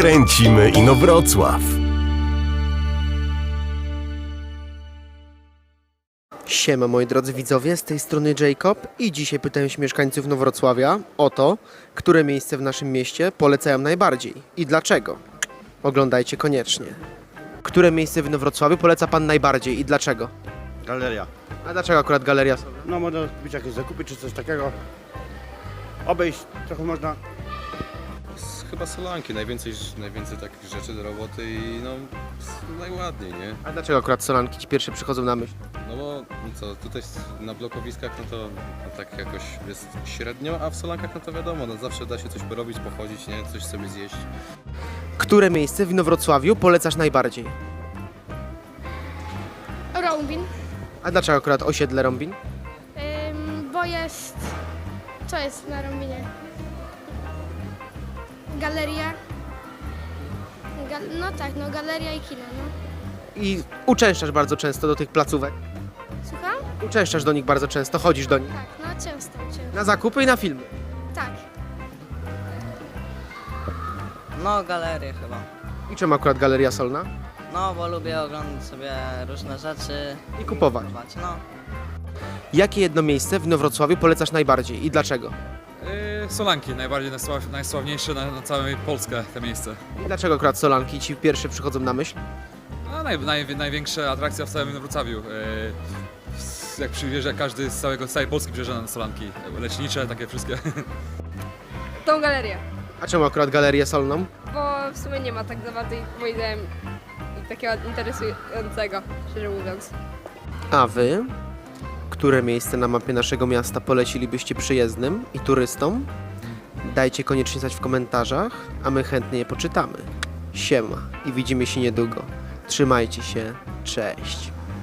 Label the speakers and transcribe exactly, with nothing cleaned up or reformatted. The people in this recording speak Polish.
Speaker 1: Kręcimy Inowrocław.
Speaker 2: Siema moi drodzy widzowie, z tej strony Jacob i dzisiaj pytałem się mieszkańców Inowrocławia o to, które miejsce w naszym mieście polecają najbardziej i dlaczego. Oglądajcie koniecznie. Które miejsce w Inowrocławiu poleca Pan najbardziej i dlaczego?
Speaker 3: Galeria.
Speaker 2: A dlaczego akurat Galeria Solna?
Speaker 3: No można kupić jakieś zakupy czy coś takiego. Obejść trochę można.
Speaker 4: Chyba Solanki, najwięcej, najwięcej takich rzeczy do roboty i no najładniej, nie?
Speaker 2: A dlaczego akurat Solanki Ci pierwsze przychodzą na myśl?
Speaker 4: No bo no co, tutaj na blokowiskach no to no tak jakoś jest średnio, a w Solankach no to wiadomo, no zawsze da się coś porobić, pochodzić, nie? Coś sobie zjeść.
Speaker 2: Które miejsce w Inowrocławiu polecasz najbardziej?
Speaker 5: Rąbin,
Speaker 2: A dlaczego akurat osiedle Rąbin?
Speaker 5: ym, bo jest... Co jest na Rąbinie? Galeria. Gal, no tak, no galeria i kino, no.
Speaker 2: I uczęszczasz bardzo często do tych placówek?
Speaker 5: Słucham?
Speaker 2: Uczęszczasz do nich bardzo często, chodzisz do nich?
Speaker 5: Tak, no często, często.
Speaker 2: Na zakupy i na filmy?
Speaker 5: Tak.
Speaker 6: No, galerię chyba.
Speaker 2: I czemu akurat Galeria Solna?
Speaker 6: No, bo lubię oglądać sobie różne rzeczy.
Speaker 2: I kupować.
Speaker 6: No,
Speaker 2: Jakie jedno miejsce w Inowrocławiu polecasz najbardziej i dlaczego?
Speaker 7: Yy, Solanki, najbardziej najsław, najsławniejsze na, na całą Polskę te miejsce.
Speaker 2: I dlaczego akurat Solanki Ci pierwsze przychodzą na myśl?
Speaker 7: A naj, naj, największa atrakcja w całym Wrocławiu. Yy, s- jak przywiezie każdy z całego, z całej Polski przyjeżdża na Solanki. Lecznicze, takie wszystkie.
Speaker 8: Tą galerię,
Speaker 2: A czemu akurat Galerię Solną?
Speaker 8: bo w sumie nie ma tak za bardzo, moim zdaniem, takiego interesującego, szczerze mówiąc.
Speaker 2: A Wy? Które miejsce na mapie naszego miasta polecilibyście przyjezdnym i turystom? Dajcie koniecznie znać w komentarzach, a my chętnie je poczytamy. Siema i widzimy się niedługo. Trzymajcie się, cześć.